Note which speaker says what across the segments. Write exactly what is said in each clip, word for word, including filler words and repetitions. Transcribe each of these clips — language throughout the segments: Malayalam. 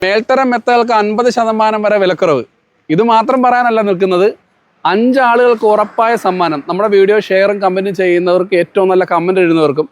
Speaker 1: മേൽത്തരം മെത്തകൾക്ക് അൻപത് ശതമാനം വരെ വിലക്കുറവ്. ഇത് മാത്രം പറയാനല്ല നിൽക്കുന്നത്, അഞ്ചാളുകൾക്ക് ഉറപ്പായ സമ്മാനം. നമ്മുടെ വീഡിയോ ഷെയറും കമൻറ്റും ചെയ്യുന്നവർക്ക്, ഏറ്റവും നല്ല കമൻറ്റ് എഴുതുന്നവർക്കും.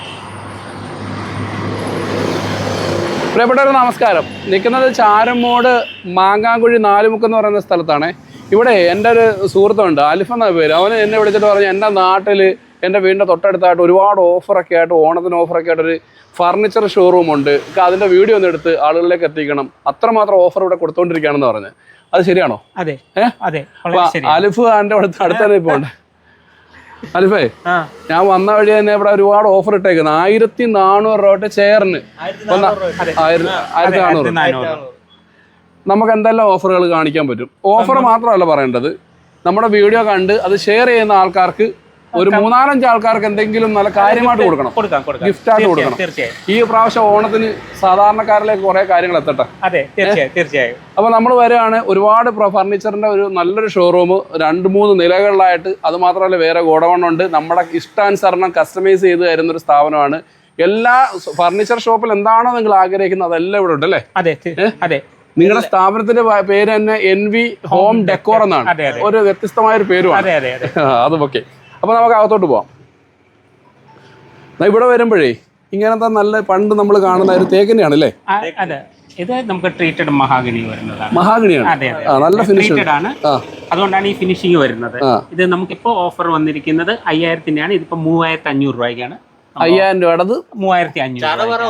Speaker 1: പ്രിയപ്പെട്ടവർ നമസ്കാരം. നിൽക്കുന്നത് ചാരമോട് മാങ്ങാങ്കുഴി നാലുമുക്ക് എന്ന് പറയുന്ന സ്ഥലത്താണ്. ഇവിടെ എൻ്റെ ഒരു സുഹൃത്തുണ്ട്, അലിഫ് എന്ന പേര്. അവന് എന്നെ വിളിച്ചിട്ട് പറഞ്ഞു, എൻ്റെ നാട്ടിൽ എൻ്റെ വീടിൻ്റെ തൊട്ടടുത്തായിട്ട് ഒരുപാട് ഓഫറൊക്കെ ആയിട്ട്, ഓണത്തിന് ഓഫറൊക്കെ ആയിട്ടൊരു ഫർണിച്ചർ ഷോറൂമുണ്ട്, അതിൻ്റെ വീഡിയോ ഒന്ന് എടുത്ത് ആളുകളിലേക്ക് എത്തിക്കണം, അത്രമാത്രം ഓഫർ ഇവിടെ കൊടുത്തുകൊണ്ടിരിക്കുകയാണെന്ന് പറഞ്ഞ്. അത് ശരിയാണോ?
Speaker 2: അതെ അതെ.
Speaker 1: അലിഫ് എൻ്റെ അടുത്ത് അടുത്ത് തന്നെ ഇപ്പോൾ ഉണ്ട്. അലിഫേ, ഞാൻ വന്ന വഴി തന്നെ ഇവിടെ ഒരുപാട് ഓഫർ ഇട്ടേക്കുന്നത്. ആയിരത്തി നാനൂറ് രൂപ ചെയറിന് ആയിരത്തി നാനൂറ്. നമുക്ക് എന്തെല്ലാം ഓഫറുകൾ കാണിക്കാൻ പറ്റും. ഓഫർ മാത്രമല്ല പറയേണ്ടത്, നമ്മുടെ വീഡിയോ കണ്ട് അത് ഷെയർ ചെയ്യുന്ന ആൾക്കാർക്ക്, ഒരു മൂന്നാലഞ്ച് ആൾക്കാർക്ക് എന്തെങ്കിലും നല്ല കാര്യമായിട്ട് കൊടുക്കണം, ഗിഫ്റ്റായിട്ട് കൊടുക്കണം. ഈ പ്രാവശ്യം ഓണത്തിന് സാധാരണക്കാരിലേക്ക് കുറെ കാര്യങ്ങൾ എത്തട്ടെ.
Speaker 2: അതെ, തീർച്ചയായും.
Speaker 1: അപ്പൊ നമ്മൾ വരികയാണ്, ഒരുപാട് ഫർണിച്ചറിന്റെ ഒരു നല്ലൊരു ഷോറൂം, രണ്ട് മൂന്ന് നിലകളിലായിട്ട്. അത് മാത്രമല്ല, വേറെ ഗോഡൗൺ ഉണ്ട്. നമ്മുടെ ഇഷ്ടാനുസരണം കസ്റ്റമൈസ് ചെയ്ത് തരുന്നൊരു സ്ഥാപനമാണ്. എല്ലാ ഫർണിച്ചർ ഷോപ്പിൽ എന്താണോ നിങ്ങൾ ആഗ്രഹിക്കുന്നത് അതെല്ലാം ഇവിടെ ഉണ്ട് അല്ലേ?
Speaker 2: അതെ അതെ.
Speaker 1: നിങ്ങളുടെ സ്ഥാപനത്തിന്റെ പേര് തന്നെ എൻ വി ഹോം ഡെക്കോർ എന്നാണ്. ഒരു വ്യത്യസ്തമായ ഒരു പേരുമാണ്. അത് ഓക്കെ. അപ്പൊ നമുക്ക് അകത്തോട്ട് പോവാം. ഇവിടെ വരുമ്പോഴേ ഇങ്ങനത്തെ നല്ല പണ്ട് നമ്മൾ കാണുന്ന ഒരു തേക്കിനെയാണ് അല്ലേ?
Speaker 2: അതെ, ഇത് നമുക്ക് ട്രീറ്റഡ് മഹാഗണി വരുന്നതാണ്.
Speaker 1: മഹാഗണിയാണ്, നല്ല ഫിനിഷ് ആണ്.
Speaker 2: അതുകൊണ്ടാണ് ഈ ഫിനിഷിങ് വരുന്നത്. ഇത് നമുക്കിപ്പോ ഓഫർ വന്നിരിക്കുന്നത് അയ്യായിരത്തിന്റെയാണ്. ഇതിപ്പോ മൂവായിരത്തി അഞ്ഞൂറ് രൂപയ്ക്കാണ്.
Speaker 1: അയ്യായിരം രൂപയുടെ
Speaker 2: മൂവായിരത്തി അഞ്ഞൂറ്.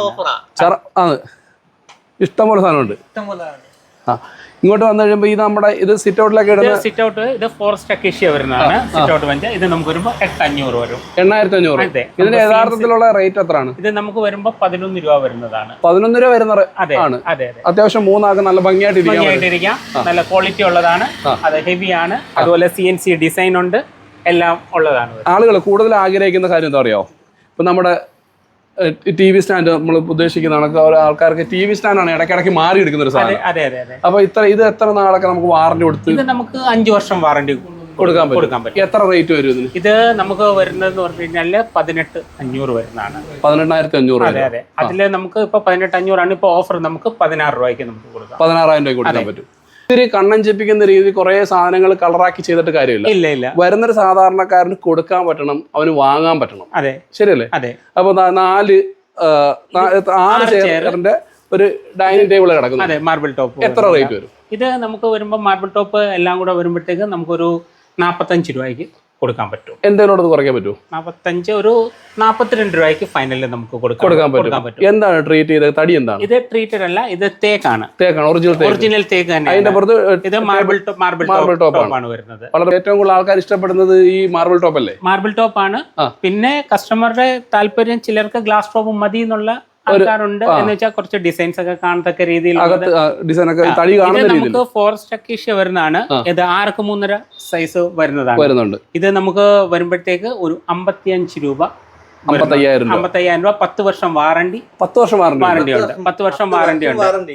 Speaker 1: ഇഷ്ടംപോലെ സാധനമുണ്ട്. ആ, ഇങ്ങോട്ട് വന്നു കഴിയുമ്പോൾ ഈ നമ്മുടെ ഇത് സിറ്റ് ഔട്ടിലൊക്കെ ഇടുന്ന
Speaker 2: സിറ്റ് ഔട്ട്, ഇത് ഫോറസ്റ്റ് അക്കേഷ്യ വരുന്നതാണ്. സിറ്റ് ഔട്ട് വഞ്ച ഇത് നമുക്ക് വരുമ്പോൾ എട്ട് അഞ്ഞൂറ് വരും.
Speaker 1: എണ്ണായിരത്തി അഞ്ഞൂറ്. ഇതിന്റെ യഥാർത്ഥത്തിലുള്ള റേറ്റ് എത്രയാണ്?
Speaker 2: ഇത് നമുക്ക് വരുമ്പോൾ പതിനൊന്ന് രൂപ വരുന്നതാണ്.
Speaker 1: പതിനൊന്ന് രൂപ വരുന്ന ആണ്.
Speaker 2: അതെ,
Speaker 1: അത്യാവശ്യം മൂന്നാൾക്ക് നല്ല ഭംഗിയായിട്ട്
Speaker 2: ഇരിക്കാം. നല്ല ക്വാളിറ്റി ഉള്ളതാണ്. അത് ഹെവി ആണ്. അതുപോലെ സി എൻ സി ഡിസൈൻ ഉണ്ട്, എല്ലാം ഉള്ളതാണ്.
Speaker 1: ആളുകൾ കൂടുതൽ ആഗ്രഹിക്കുന്ന കാര്യം എന്താ അറിയാമോ? ഇപ്പൊ നമ്മുടെ ടി വി സ്റ്റാൻഡ് നമ്മൾ ഉദ്ദേശിക്കുന്ന ആൾക്കാർക്ക് ടി വി സ്റ്റാൻഡാണ് ഇടയ്ക്കിടയ്ക്ക് മാറി എടുക്കുന്ന ഒരു സാധനം. അപ്പൊ ഇത്ര ഇത് എത്ര നാളൊക്കെ നമുക്ക് വാറണ്ടി കൊടുത്ത്?
Speaker 2: ഇത് നമുക്ക് അഞ്ചു വർഷം വാറണ്ടി
Speaker 1: കൊടുക്കാൻ കൊടുക്കാൻ പറ്റും. എത്ര റേറ്റ് വരും ഇതിന്?
Speaker 2: ഇത് നമുക്ക് വരുന്നതെന്ന് പറഞ്ഞു കഴിഞ്ഞാല് പതിനെട്ട് അഞ്ഞൂറ് വരുന്നതാണ്.
Speaker 1: പതിനെണ്ണായിരത്തി അഞ്ഞൂറ്.
Speaker 2: അതെ അതെ. അതില് നമുക്ക് ഇപ്പൊ പതിനെട്ട് അഞ്ഞൂറാണ്. ഇപ്പൊ ഓഫർ നമുക്ക് പതിനാറ് രൂപയ്ക്ക് നമുക്ക് കൊടുക്കാം.
Speaker 1: പതിനാറായിരം രൂപയ്ക്ക് കൊടുക്കാൻ പറ്റും. ഇത്തിരി കണ്ണഞ്ചിപ്പിക്കുന്ന രീതി കുറെ സാധനങ്ങൾ കളറാക്കി ചെയ്തിട്ട് കാര്യമില്ല.
Speaker 2: ഇല്ല ഇല്ല.
Speaker 1: വരുന്നൊരു സാധാരണക്കാരന് കൊടുക്കാൻ പറ്റണം, അവന് വാങ്ങാൻ പറ്റണം.
Speaker 2: അതെ,
Speaker 1: ശരിയല്ലേ?
Speaker 2: അതെ.
Speaker 1: അപ്പൊ നാല് ആറ് ചെയറിന്റെ ഒരു ഡൈനിങ് ടേബിൾ കിടക്കുന്നു.
Speaker 2: അതെ, മാർബിൾ ടോപ്പ്.
Speaker 1: എത്ര റേറ്റ് വരും?
Speaker 2: ഇത് നമുക്ക് വരുമ്പോൾ മാർബിൾ ടോപ്പ് എല്ലാം കൂടെ വരുമ്പോഴത്തേക്ക് നമുക്കൊരു നാപ്പത്തഞ്ച് രൂപയ്ക്ക് കൊടുക്കാൻ പറ്റും.
Speaker 1: എന്തെങ്കിലും കുറയ്ക്കാൻ പറ്റുമോ?
Speaker 2: നാപ്പത്തഞ്ച്, ഒരു നാപ്പത്തിരണ്ട് രൂപയ്ക്ക് ഫൈനലിൽ നമുക്ക്
Speaker 1: കൊടുക്കാൻ പറ്റും. എന്താണ് ട്രീറ്റ് ചെയ്തത്? തടി എന്താണ്?
Speaker 2: ഇത് ട്രീറ്റഡ് അല്ല, ഇത് തേക്കാണ്.
Speaker 1: തേക്കാണ്, ഒറിജിനൽ
Speaker 2: ഒറിജിനൽ തേക്ക് തന്നെ.
Speaker 1: അതിന്റെ പുറത്ത്
Speaker 2: ഇത് മാർബിൾ മാർബിൾ മാർബിൾ ടോപ്പാണ് വരുന്നത്.
Speaker 1: വളരെ ഏറ്റവും കൂടുതൽ ആൾക്കാർ ഇഷ്ടപ്പെടുന്നത് ഈ മാർബിൾ ടോപ്പ് അല്ലേ?
Speaker 2: മാർബിൾ ടോപ്പാണ്. പിന്നെ കസ്റ്റമറുടെ താല്പര്യം, ചിലർക്ക് ഗ്ലാസ് ടോപ്പ് മതി എന്നുള്ള ആൾക്കാരുണ്ട്. എന്ന് വെച്ചാൽ കുറച്ച് ഡിസൈൻസ് ഒക്കെ കാണത്തക്ക രീതിയിൽ നമുക്ക് ഫോറസ്റ്റ് അക്കേഷ്യ വരുന്നതാണ്. ഇത് ആർക്ക് മൂന്നര സൈസ് വരുന്നതാണ്. ഇത് നമുക്ക് വരുമ്പോഴത്തേക്ക് ഒരു അമ്പത്തിയഞ്ച് രൂപ, അമ്പത്തയ്യായിരം അമ്പത്തയ്യായിരം രൂപ. പത്ത് വർഷം വാറണ്ടി.
Speaker 1: പത്ത് വർഷം വാറണ്ടി ഉണ്ട്.
Speaker 2: പത്ത് വർഷം വാറണ്ടി ഉണ്ട്.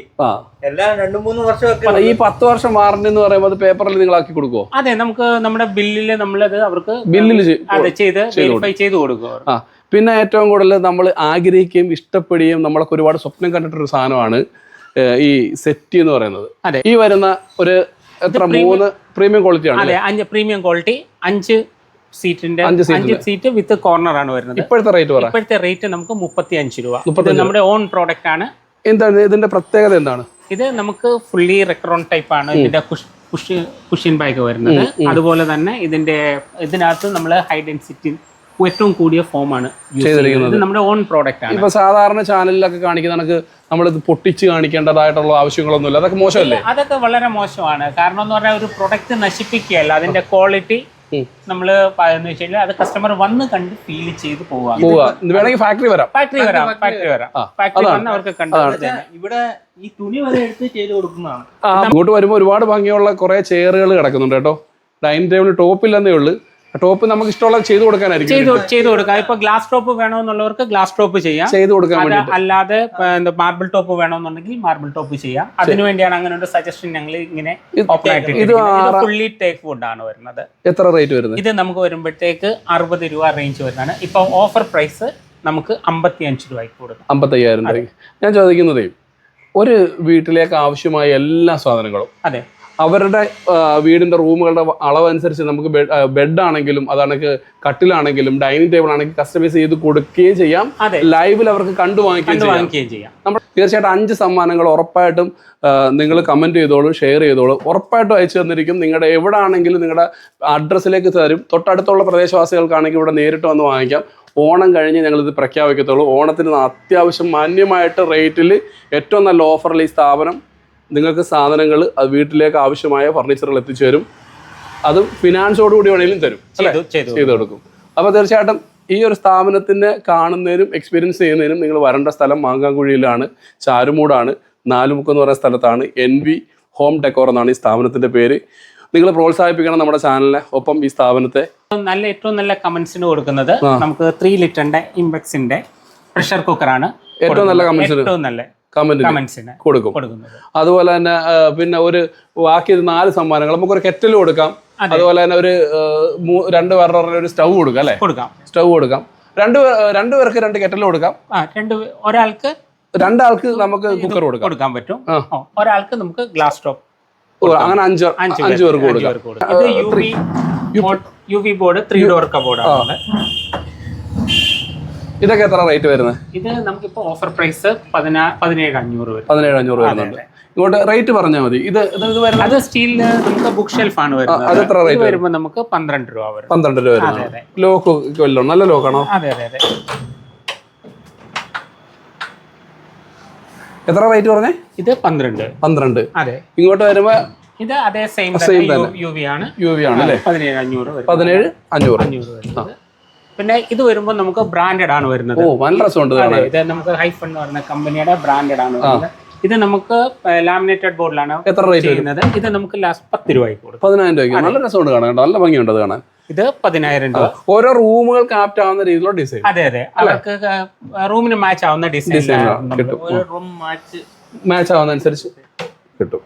Speaker 1: ഈ പത്ത് വർഷം വാറണ്ടി എന്ന് പറയുമ്പോൾ അത് പേപ്പറിൽ നിങ്ങളാക്കി കൊടുക്കുമോ?
Speaker 2: അതെ, നമുക്ക് നമ്മുടെ ബില്ലില് നമ്മളത് അവർക്ക്
Speaker 1: ബില്ലിൽ
Speaker 2: ചെയ്ത് വെരിഫൈ ചെയ്ത് കൊടുക്കും.
Speaker 1: പിന്നെ ഏറ്റവും കൂടുതൽ നമ്മൾ ആഗ്രഹിക്കുകയും ഇഷ്ടപ്പെടുകയും നമ്മളൊക്കെ ഒരുപാട് സ്വപ്നം കണ്ടിട്ടൊരു സാധനമാണ് ഈ സെറ്റി എന്ന് പറയുന്നത്. ഈ വരുന്ന ഒരു എത്ര മൂന്ന് പ്രീമിയം ക്വാളിറ്റി ആണ്.
Speaker 2: അതെ, അഞ്ച് പ്രീമിയം ക്വാളിറ്റി, അഞ്ച് സീറ്റിന്റെ അഞ്ച് സീറ്റ് വിത്ത് കോർണർ ആണ് വരുന്നത്.
Speaker 1: ഇപ്പോഴത്തെ റേറ്റ് പറ.
Speaker 2: ഇപ്പോഴത്തെ റേറ്റ് നമുക്ക് മുപ്പത്തി അഞ്ച് രൂപ. നമ്മുടെ ഓൺ പ്രോഡക്റ്റ് ആണ്.
Speaker 1: എന്താണ് ഇതിന്റെ പ്രത്യേകത? എന്താണ് ഇത്?
Speaker 2: നമുക്ക് ഫുള്ളി റെക്രോൺ ടൈപ്പ് ആണ് ഇതിന്റെ കുഷ്യൻ ബാഗ് വരുന്നത്. അതുപോലെ തന്നെ ഇതിന്റെ ഇതിനകത്ത് നമ്മൾ ഹൈ ഡെൻസിറ്റി ഏറ്റവും കൂടിയ ഫോമാണ് ചെയ്തിരിക്കുന്നത്. നമ്മുടെ ഓൺ പ്രോഡക്റ്റ് ആണ്.
Speaker 1: ഇപ്പൊ സാധാരണ ചാനലിലൊക്കെ കാണിക്കുന്ന കണക്ക് നമ്മളിത് പൊട്ടിച്ച് കാണിക്കേണ്ടതായിട്ടുള്ള ആവശ്യങ്ങളൊന്നുമില്ല. അതൊക്കെ മോശമല്ലേ?
Speaker 2: അതൊക്കെ വളരെ മോശമാണ്. കാരണം എന്ന് പറഞ്ഞാൽ ഒരു പ്രൊഡക്റ്റ് നശിപ്പിക്കുകയല്ല, അതിന്റെ ക്വാളിറ്റി നമ്മള് എന്ന് വെച്ച് കഴിഞ്ഞാൽ അത് കസ്റ്റമർ വന്ന് കണ്ട് ഫീൽ ചെയ്ത് പോവാ.
Speaker 1: വേണമെങ്കിൽ ഫാക്ടറി വരാം,
Speaker 2: ഫാക്ടറി വരാം, ഫാക്ടറി വരാം. ഫാക്ടറി വന്ന് അവർക്ക് കണ്ടത്
Speaker 3: ഇവിടെ ഈ തുണി വരെ എടുത്ത് ചെയ്ത് കൊടുക്കുന്നതാണ്.
Speaker 1: അങ്ങോട്ട് വരുമ്പോൾ ഒരുപാട് ഭംഗിയുള്ള കുറെ ചെയറുകൾ കിടക്കുന്നുണ്ട് കേട്ടോ. ഡൈനിങ് ടേബിൾ ടോപ്പില്ലെന്നേ ഉള്ളൂ. ടോപ്പ് നമുക്ക് ഇഷ്ടമുള്ള ചെയ്ത് കൊടുക്കാനായിരിക്കും.
Speaker 2: ചെയ്ത് കൊടുക്കാം. ഇപ്പൊ ഗ്ലാസ് ടോപ്പ് വേണമെന്നുള്ളവർക്ക് ഗ്ലാസ് ടോപ്പ് ചെയ്യാം, ചെയ്ത് കൊടുക്കാൻ. അല്ലാതെ മാർബിൾ ടോപ്പ് വേണമെന്നുണ്ടെങ്കിൽ മാർബിൾ ടോപ്പ് ചെയ്യാം. അതിനുവേണ്ടിയാണ് അങ്ങനെ ഒരു സജഷൻ ഞങ്ങൾ ഇങ്ങനെ ഫുള്ളി ടേക്ക് വുഡ് ആണ് വരുന്നത്.
Speaker 1: എത്ര റേറ്റ് വരുന്നത്?
Speaker 2: ഇത് നമുക്ക് വരുമ്പോഴത്തേക്ക് അറുപത് രൂപ റേഞ്ച് വരുന്നതാണ്. ഇപ്പൊ ഓഫർ പ്രൈസ് നമുക്ക് അമ്പത്തി അഞ്ച് രൂപയ്ക്ക് കൊടുക്കാം.
Speaker 1: അമ്പത്തയ്യായിരം രൂപ. ഞാൻ ചോദിക്കുന്നതേ, ഒരു വീട്ടിലേക്ക് ആവശ്യമായ എല്ലാ സാധനങ്ങളും
Speaker 2: അതെ
Speaker 1: അവരുടെ വീടിന്റെ റൂമുകളുടെ അളവനുസരിച്ച് നമുക്ക് ബെഡ് ആണെങ്കിലും അതാണെങ്കിൽ കട്ടിലാണെങ്കിലും ഡൈനിങ് ടേബിൾ ആണെങ്കിലും കസ്റ്റമൈസ് ചെയ്ത് കൊടുക്കുകയും ചെയ്യാം. ലൈവിൽ അവർക്ക് കണ്ടു വാങ്ങിക്കുകയും ചെയ്യാം. നമ്മൾ തീർച്ചയായിട്ടും അഞ്ച് സമ്മാനങ്ങൾ ഉറപ്പായിട്ടും നിങ്ങൾ കമന്റ് ചെയ്തോളൂ, ഷെയർ ചെയ്തോളൂ. ഉറപ്പായിട്ടും അയച്ചു തന്നിരിക്കും. നിങ്ങളുടെ എവിടെ ആണെങ്കിലും നിങ്ങളുടെ അഡ്രസ്സിലേക്ക് തരും. തൊട്ടടുത്തുള്ള പ്രദേശവാസികൾക്കാണെങ്കിൽ ഇവിടെ നേരിട്ട് വന്ന് വാങ്ങിക്കാം. ഓണം കഴിഞ്ഞ് ഞങ്ങളിത് പ്രഖ്യാപിക്കത്തുള്ളൂ. ഓണത്തിന് അത്യാവശ്യം മാന്യമായിട്ട് റേറ്റിൽ ഏറ്റവും നല്ല ഓഫറിൽ ഈ സ്ഥാപനം നിങ്ങൾക്ക് സാധനങ്ങൾ അത് വീട്ടിലേക്ക് ആവശ്യമായ ഫർണിച്ചറുകൾ എത്തിച്ചു തരും. അത് ഫിനാൻസോടുകൂടി വേണമെങ്കിലും തരും, ചെയ്തു കൊടുക്കും. അപ്പോൾ തീർച്ചയായിട്ടും ഈ ഒരു സ്ഥാപനത്തിനെ കാണുന്നതിനും എക്സ്പീരിയൻസ് ചെയ്യുന്നതിനും നിങ്ങൾ വരേണ്ട സ്ഥലം മാങ്കാങ്കുഴിയിലാണ്, ചാരുമൂടാണ്, നാലുമുക്ക് എന്ന് പറയുന്ന സ്ഥലത്താണ്. എൻ വി ഹോം ഡെക്കോർ എന്നാണ് ഈ സ്ഥാപനത്തിൻ്റെ പേര്. നിങ്ങൾ പ്രോത്സാഹിപ്പിക്കണം നമ്മുടെ ചാനലിനെ, ഒപ്പം ഈ സ്ഥാപനത്തെ.
Speaker 2: നല്ല ഏറ്റവും നല്ല കമന്റ്സിന് കൊടുക്കുന്നത് നമുക്ക് ത്രീ ലിറ്ററിന്റെ ഇംപെക്സിന്റെ പ്രഷർ കുക്കറാണ്
Speaker 1: ഏറ്റവും നല്ല കമന്റ്സിന്
Speaker 2: ഏറ്റവും നല്ല
Speaker 1: കമന്റിന് കൊടുക്കും. അതുപോലെ തന്നെ പിന്നെ ഒരു ബാക്കി നാല് സമ്മാനങ്ങൾ നമുക്കൊരു കെറ്റൽ കൊടുക്കാം. അതുപോലെ തന്നെ ഒരു രണ്ട് പേരുടെ ഒരു സ്റ്റൗ കൊടുക്കാം അല്ലെ?
Speaker 2: കൊടുക്കാം,
Speaker 1: സ്റ്റൗ കൊടുക്കാം. രണ്ട് രണ്ടുപേർക്ക് രണ്ട് കെറ്റൽ കൊടുക്കാം.
Speaker 2: ഒരാൾക്ക്
Speaker 1: രണ്ടാൾക്ക് നമുക്ക് കുക്കർ കൊടുക്കാം
Speaker 2: കൊടുക്കാൻ പറ്റും. ഒരാൾക്ക് നമുക്ക് ഗ്ലാസ് ടോപ്പ്
Speaker 1: അങ്ങനെ അഞ്ച് അഞ്ചു പേർക്ക് കൊടുക്കാം.
Speaker 2: U V board three door കബോർഡാണ്.
Speaker 1: ഇതൊക്കെ എത്ര റേറ്റ് വരുന്നത്?
Speaker 2: ഇത് നമുക്കിപ്പോ ഓഫർ പ്രൈസ് പതിനേഴ് അഞ്ഞൂറ് വരും.
Speaker 1: പതിനേഴ് അഞ്ഞൂറ് വരുന്നുണ്ട്. ഇങ്ങോട്ട് റേറ്റ് പറഞ്ഞാൽ മതി. ഇത് ഇത് വരുന്നത്
Speaker 2: അത് സ്റ്റീലിന് നമുക്ക് ബുക്ക് ഷെൽഫ് ആണ് വരുന്നത്.
Speaker 1: അത് എത്ര റേറ്റ്
Speaker 2: വരുമ്പോൾ നമുക്ക് പന്ത്രണ്ട് രൂപ വരും.
Speaker 1: പന്ത്രണ്ട് രൂപ വരുന്നത്. ലോക്ക് വല്ലോ നല്ല ലോക്കാണോ?
Speaker 2: അതെ അതെ അതെ.
Speaker 1: എത്ര റേറ്റ് പറഞ്ഞേ?
Speaker 2: ഇത് പന്ത്രണ്ട്
Speaker 1: പന്ത്രണ്ട്
Speaker 2: അതെ.
Speaker 1: ഇങ്ങോട്ട് വരുമ്പോ
Speaker 2: ഇത് അതേ സെയിം യു വി ആണ്.
Speaker 1: യു വി ആണ് അല്ലേ?
Speaker 2: പതിനേഴ് അഞ്ഞൂറ് വരും.
Speaker 1: പതിനേഴ് അഞ്ഞൂറ്
Speaker 2: അഞ്ഞൂറ് വരുന്നത്. പിന്നെ ഇത് വരുമ്പോൾ നമുക്ക് ബ്രാൻഡഡ് ആണ് വരുന്നത്.
Speaker 1: ഓ നല്ല രസമുണ്ട്.
Speaker 2: ഇത് നമുക്ക് ഹൈഫൺ എന്ന് പറയുന്ന കമ്പനിയുടെ ബ്രാൻഡഡ് ആണ് വരുന്നത്. ഇത് നമുക്ക് ലാമിനേറ്റഡ് ബോർഡിലാണ്
Speaker 1: എത്ര റേറ്റ്
Speaker 2: ചെയ്യുന്നത്. ഇത് നമുക്ക് ലാസ്റ്റ് പത്ത് രൂപയ്ക്ക് കൊടുക്കും.
Speaker 1: പതിനായിരം രൂപയ്ക്ക്. നല്ല രസമുണ്ട് കാണാൻ, നല്ല ഭംഗിയുണ്ട് കാണാൻ.
Speaker 2: ഇത് പതിനായിരം രൂപ.
Speaker 1: ഓരോ റൂമുകൾക്ക് ആപ്റ്റ് ആവുന്ന രീതിയിലുള്ള ഡിസൈൻ.
Speaker 2: അതെ അതെ, അവർക്ക് റൂമിന് മാച്ച് ആവുന്ന ഡിസൈൻ
Speaker 1: കിട്ടും.
Speaker 3: റൂം മാച്ച്
Speaker 1: മാച്ച് ആവുന്ന അനുസരിച്ച് കിട്ടും.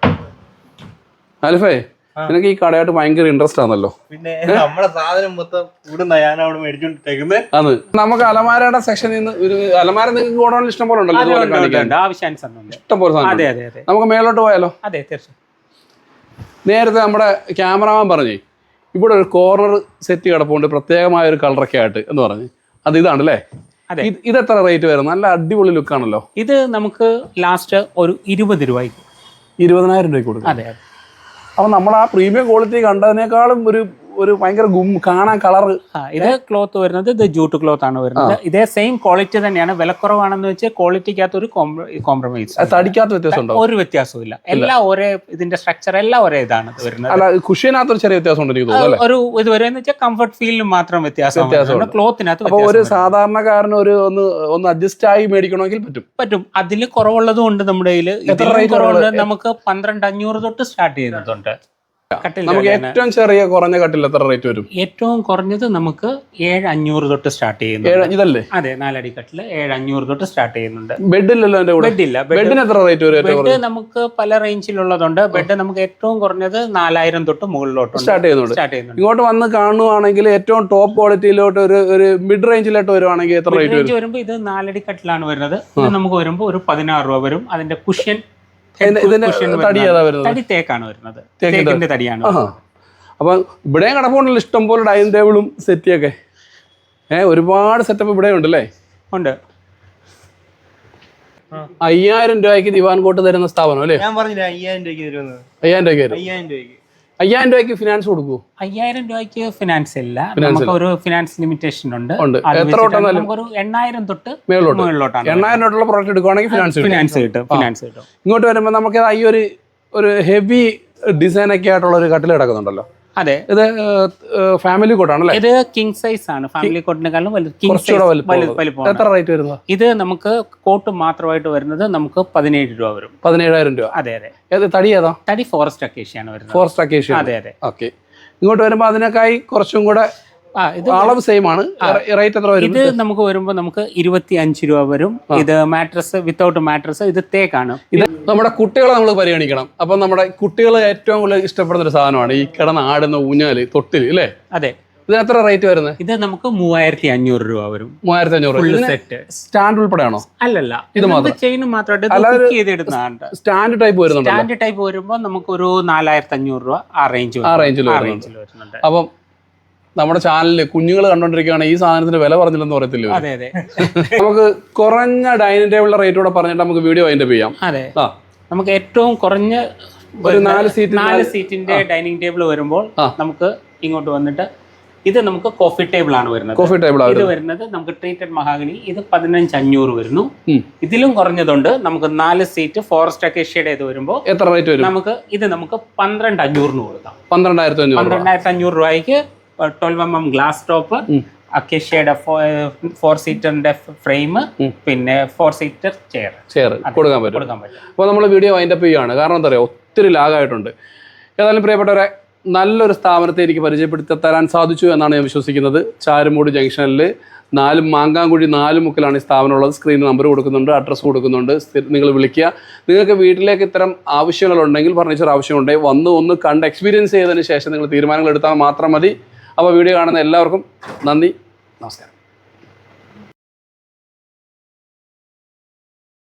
Speaker 1: അൽഫേ, നിനക്ക് ഈ കടയായിട്ട് ഭയങ്കര ഇൻട്രസ്റ്റ് ആണല്ലോ.
Speaker 3: പിന്നെ നമ്മുടെ സാധനം മൊത്തം ഇവിടുന്ന് ഞാൻ അവിടെ മേടിച്ചോണ്ടിരിക്കുന്നത്.
Speaker 1: അത് നമുക്ക് അലമാരയുടെ സെക്ഷനിൽ നിന്ന് ഒരു അലമാര നിങ്ങൾക്ക് ഗോഡൌണിൽ ഇഷ്ടം പോലെ ഉണ്ടല്ലോ, ഇഷ്ടം പോലെ സാധനം. നമുക്ക് മേലോട്ട് പോയാലോ?
Speaker 2: അതെ തീർച്ചയായും.
Speaker 1: നേരത്തെ നമ്മുടെ ക്യാമറമാൻ പറഞ്ഞേ ഇവിടെ ഒരു കോർണർ സെറ്റ് കിടപ്പുണ്ട് പ്രത്യേകമായ ഒരു കളറൊക്കെ ആയിട്ട് എന്ന് പറഞ്ഞ്. അത് ഇതാണല്ലേ? ഇത് എത്ര റേറ്റ് വരും? നല്ല അടിപൊളി ലുക്കാണല്ലോ.
Speaker 2: ഇത് നമുക്ക് ലാസ്റ്റ് ഒരു ഇരുപത് രൂപയ്ക്ക്
Speaker 1: ഇരുപതിനായിരം രൂപയ്ക്ക് കൊടുക്കും.
Speaker 2: അതെ.
Speaker 1: അപ്പൊ നമ്മൾ ആ പ്രീമിയം ക്വാളിറ്റി കണ്ടതിനേക്കാളും ഒരു ഒരു ഭയങ്കര ഗും കാണാൻ കളർ.
Speaker 2: ഇത് ക്ലോത്ത് വരുന്നത് ഇത് ജൂട്ട് ക്ലോത്ത് ആണ് വരുന്നത്. ഇതേ സെയിം ക്വാളിറ്റി തന്നെയാണ്. വിലക്കുറവാണെന്ന് വെച്ചാൽ ക്വാളിറ്റിക്കകത്ത് ഒരു കോംപ്രമൈസ്,
Speaker 1: തടിക്കാത്ത വ്യത്യാസം ഉണ്ടോ?
Speaker 2: ഒരു വ്യത്യാസവും ഇല്ല. എല്ലാം ഒരേ, ഇതിന്റെ സ്ട്രക്ചർ എല്ലാം ഒരേ ഇതാണ് വരുന്നത്.
Speaker 1: അല്ല, കുഷ്യനകത്ത് ഒരു ചെറിയ വ്യത്യാസം ഉണ്ട് എനിക്ക് തോന്നുന്നു.
Speaker 2: ഒരു ഇത് വരെ വെച്ചാൽ കംഫർട്ട് ഫീലിന് മാത്രം വ്യത്യാസം, ക്ലോത്തിനകത്ത്.
Speaker 1: അപ്പൊ ഒരു സാധാരണക്കാരന് ഒരു ഒന്ന് ഒന്ന് അഡ്ജസ്റ്റ് ആയി മേടിക്കണമെങ്കിൽ പറ്റും
Speaker 2: പറ്റും അതിൽ കുറവുള്ളതും ഉണ്ട് നമ്മുടെ കയ്യിൽ. കുറവുണ്ട് നമുക്ക് പന്ത്രണ്ട് അഞ്ഞൂറ് തൊട്ട് സ്റ്റാർട്ട് ചെയ്യുന്നതുണ്ട്.
Speaker 1: നമുക്ക് ഏറ്റവും ചെറിയ കുറഞ്ഞ കട്ടിൽ എത്ര റേറ്റ് വരും?
Speaker 2: ഏറ്റവും കുറഞ്ഞത് നമുക്ക് ഏഴ് അഞ്ഞൂറ് തൊട്ട് സ്റ്റാർട്ട് ചെയ്യുന്നു.
Speaker 1: ഇതല്ലേ?
Speaker 2: അതെ, നാലടി കട്ടില് ഏഴ് അഞ്ഞൂറ് തൊട്ട് സ്റ്റാർട്ട് ചെയ്യുന്നുണ്ട്.
Speaker 1: ബെഡില്ലല്ലോ?
Speaker 2: ബെഡില്ല.
Speaker 1: ബെഡിന് എത്ര റേറ്റ് വരും?
Speaker 2: ബെഡ് നമുക്ക് പല റേഞ്ചിലുള്ളതുണ്ട്. ബെഡ് നമുക്ക് ഏറ്റവും കുറഞ്ഞത് നാലായിരം തൊട്ട് മുകളിലോട്ട്
Speaker 1: സ്റ്റാർട്ട് ചെയ്യുന്നുണ്ട്. സ്റ്റാർട്ട് ചെയ്യുന്നുണ്ട്. ഇങ്ങോട്ട് വന്ന് കാണുവാണെങ്കിൽ ഏറ്റവും ടോപ്പ് ക്വാളിറ്റിയിലോട്ട് ഒരു ഒരു മിഡ് റേഞ്ചിലോട്ട് വരുവാണെങ്കിൽ എത്ര റേറ്റ് വരും?
Speaker 2: വരുമ്പോൾ ഇത് നാലടി കട്ടിലാണ് വരുന്നത്. ഇത് നമുക്ക് വരുമ്പോൾ ഒരു പതിനാറ് രൂപ വരും. അതിന്റെ കുഷ്യൻ തടി തേക്കാണ് വരുന്നത്. തേക്കിന്റെ തടിയാണ്.
Speaker 1: അപ്പൊ ഇവിടെയും കിടപ്പുണ്ടല്ലോ ഇഷ്ടം പോലെ ഡൈനിങ് ടേബിളും സെറ്റിയൊക്കെ. ഏഹ് ഒരുപാട് സെറ്റപ്പ് ഇവിടെ ഉണ്ടല്ലേ?
Speaker 2: ഉണ്ട്.
Speaker 1: അയ്യായിരം രൂപയ്ക്ക് ദിവാൻ കോട്ട് തരുന്ന സ്ഥാപനം അല്ലേ?
Speaker 3: ഞാൻ പറഞ്ഞില്ല അയ്യായിരം രൂപയ്ക്ക് തരുന്നത്.
Speaker 1: അയ്യായിരം രൂപയ്ക്ക്
Speaker 3: അയ്യായിരം രൂപയ്ക്ക്
Speaker 1: അയ്യായിരം രൂപയ്ക്ക് ഫിനാൻസ് കൊടുക്കൂ?
Speaker 2: അയ്യായിരം രൂപയ്ക്ക് ഫിനാൻസ് ഇല്ല. നമുക്ക് ഒരു ഫിനാൻസ് ലിമിറ്റേഷൻ ഉണ്ട്.
Speaker 1: എത്ര
Speaker 2: ഒരു എണ്ണായിരം തൊട്ട് മുകളിലോട്ടാണ്.
Speaker 1: എണ്ണായിരം തൊട്ടുള്ള പ്രോഡക്റ്റ് എടുക്കുവാണെങ്കിൽ ഫിനാൻസ്
Speaker 2: ഫിനാൻസ് കിട്ടും. ഫിനാൻസ് കിട്ടും.
Speaker 1: ഇങ്ങോട്ട് വരുമ്പോൾ നമുക്ക് ഈ ഒരു ഒരു ഹെവി ഡിസൈൻ ഒക്കെ ആയിട്ടുള്ള ഒരു കട്ടിൽ കിടക്കുന്നുണ്ടല്ലോ.
Speaker 2: അതെ,
Speaker 1: ഇത് ഫാമിലി കോട്ടാണല്ലേ?
Speaker 2: ഇത് കിങ് സൈസ് ആണ്. ഫാമിലി കോട്ടിനെക്കാളും
Speaker 1: വലുപ്പം. എത്ര റേറ്റ് വരുന്നത്?
Speaker 2: ഇത് നമുക്ക് കോട്ട് മാത്രമായിട്ട് വരുന്നത് നമുക്ക് പതിനേഴ് രൂപ വരും.
Speaker 1: പതിനേഴായിരം രൂപ.
Speaker 2: അതെ അതെ.
Speaker 1: തടി ഏതാ?
Speaker 2: തടി ഫോറസ്റ്റ് അക്കേഷ്യാണ് വരുന്നത്.
Speaker 1: Forest acacia.
Speaker 2: അതെ അതെ.
Speaker 1: ഓക്കെ. ഇങ്ങോട്ട് വരുമ്പോൾ അതിനേക്കായി കുറച്ചും കൂടെ അളവ് സെയിം ആണ്. റേറ്റ് എത്ര വരും?
Speaker 2: ഇത് നമുക്ക് വരുമ്പോൾ നമുക്ക് ഇരുപത്തി അഞ്ച് രൂപ വരും. ഇത് മാട്രസ് വിത്തൗട്ട് മാട്രസ്. ഇത് തേക്കാണ്.
Speaker 1: ഇത് നമ്മുടെ കുട്ടികളെ നമ്മൾ പരിഗണിക്കണം. അപ്പൊ നമ്മുടെ കുട്ടികൾ ഏറ്റവും കൂടുതൽ ഇഷ്ടപ്പെടുന്ന ഒരു സാധനമാണ് ഈ കിടന്ന് ആടുന്ന ഊഞ്ഞാല്, തൊട്ടില് അല്ലേ?
Speaker 2: അതെ.
Speaker 1: ഇത് എത്ര റേറ്റ് വരുന്നത്?
Speaker 2: ഇത് നമുക്ക് മൂവായിരത്തി അഞ്ഞൂറ് രൂപ വരും.
Speaker 1: മൂവായിരത്തി അഞ്ഞൂറ്
Speaker 2: സെറ്റ്.
Speaker 1: സ്റ്റാൻഡ് ഉൾപ്പെടെയാണോ?
Speaker 2: അല്ലല്ല, ഇത് മാത്രം ചെയിൻ മാത്രമായിട്ട് ചെയ്തെടുക്കുന്നതാണ്.
Speaker 1: സ്റ്റാൻഡ് ടൈപ്പ് വരുന്നുണ്ട്.
Speaker 2: സ്റ്റാൻഡ് ടൈപ്പ് വരുമ്പോൾ നമുക്ക് ഒരു നാലായിരത്തി അഞ്ഞൂറ് രൂപ ആ റേഞ്ച്
Speaker 1: ആ റേഞ്ചിൽ വരുന്നുണ്ട്. അപ്പം നമ്മുടെ ചാനലിൽ കുഞ്ഞുങ്ങൾ കണ്ടോണ്ടിരിക്കുകയാണ്, ഈ സാധനത്തിന് വില പറഞ്ഞില്ലെന്ന് പറയത്തില്ല.
Speaker 2: അതെ അതെ.
Speaker 1: നമുക്ക് കുറഞ്ഞ ഡൈനിങ് ടേബിളിന്റെ റേറ്റ് കൂടെ പറഞ്ഞിട്ട് നമുക്ക് വീഡിയോ അതിന്റെ ചെയ്യാം.
Speaker 2: അതെ, നമുക്ക് ഏറ്റവും കുറഞ്ഞ
Speaker 1: ഒരു നാല് സീറ്റ്
Speaker 2: നാല് സീറ്റിന്റെ ഡൈനിങ് ടേബിൾ വരുമ്പോൾ നമുക്ക് ഇങ്ങോട്ട് വന്നിട്ട് ഇത് നമുക്ക് കോഫി ടേബിൾ ആണ് വരുന്നത്.
Speaker 1: കോഫി ടേബിൾ
Speaker 2: ഇത് വരുന്നത് നമുക്ക് ട്രീറ്റഡ് മഹാഗണി, ഇത് പതിനഞ്ച് അഞ്ഞൂറ് വരുന്നു. ഇതിലും കുറഞ്ഞതുണ്ട്, നമുക്ക് നാല് സീറ്റ് ഫോറസ്റ്റ് അക്കേഷ്യയുടെ ഇത് വരുമ്പോൾ എത്ര റേറ്റ് വരും? നമുക്ക് ഇത് നമുക്ക് പന്ത്രണ്ട് അഞ്ഞൂറിന് കൊടുക്കാം. പന്ത്രണ്ടായിരത്തി അഞ്ഞൂറ് പന്ത്രണ്ടായിരത്തി അഞ്ഞൂറ് രൂപയ്ക്ക് twelve M M glass top, അക്കേഷ്യയുടെ ഫോർ സീറ്ററിന്റെ ഫ്രെയിം, പിന്നെ ഫോർ സീറ്റർ ചെയർ ചെയർ കൊടുക്കാൻ പറ്റും കൊടുക്കാൻ പറ്റും അപ്പോൾ നമ്മൾ വീഡിയോ വൈൻഡപ്പ് ചെയ്യുകയാണ്. കാരണം എന്താ പറയുക, ഒത്തിരി ലാഗായിട്ടുണ്ട്. ഏതായാലും പ്രിയപ്പെട്ടവരെ, നല്ലൊരു സ്ഥാപനത്തെ എനിക്ക് പരിചയപ്പെടുത്തി തരാൻ സാധിച്ചു എന്നാണ് ഞാൻ വിശ്വസിക്കുന്നത്. ചാരുമൂട് ജംഗ്ഷനിൽ നാല് മാങ്കാങ്കുഴി നാല് മുക്കിലാണ് ഈ സ്ഥാപനം ഉള്ളത്. സ്ക്രീനിൽ നമ്പർ കൊടുക്കുന്നുണ്ട്, അഡ്രസ്സ് കൊടുക്കുന്നുണ്ട്. നിങ്ങൾ വിളിക്കുക. നിങ്ങൾക്ക് വീട്ടിലേക്ക് ഇത്തരം ആവശ്യങ്ങളുണ്ടെങ്കിൽ, ഫർണിച്ചർ ആവശ്യമുണ്ടെങ്കിൽ വന്ന് ഒന്ന് കണ്ട് എക്സ്പീരിയൻസ് ചെയ്തതിന് ശേഷം നിങ്ങൾ തീരുമാനങ്ങൾ എടുത്താൽ മാത്രം മതി. അപ്പോൾ വീഡിയോ കാണുന്ന എല്ലാവർക്കും നന്ദി, നമസ്കാരം.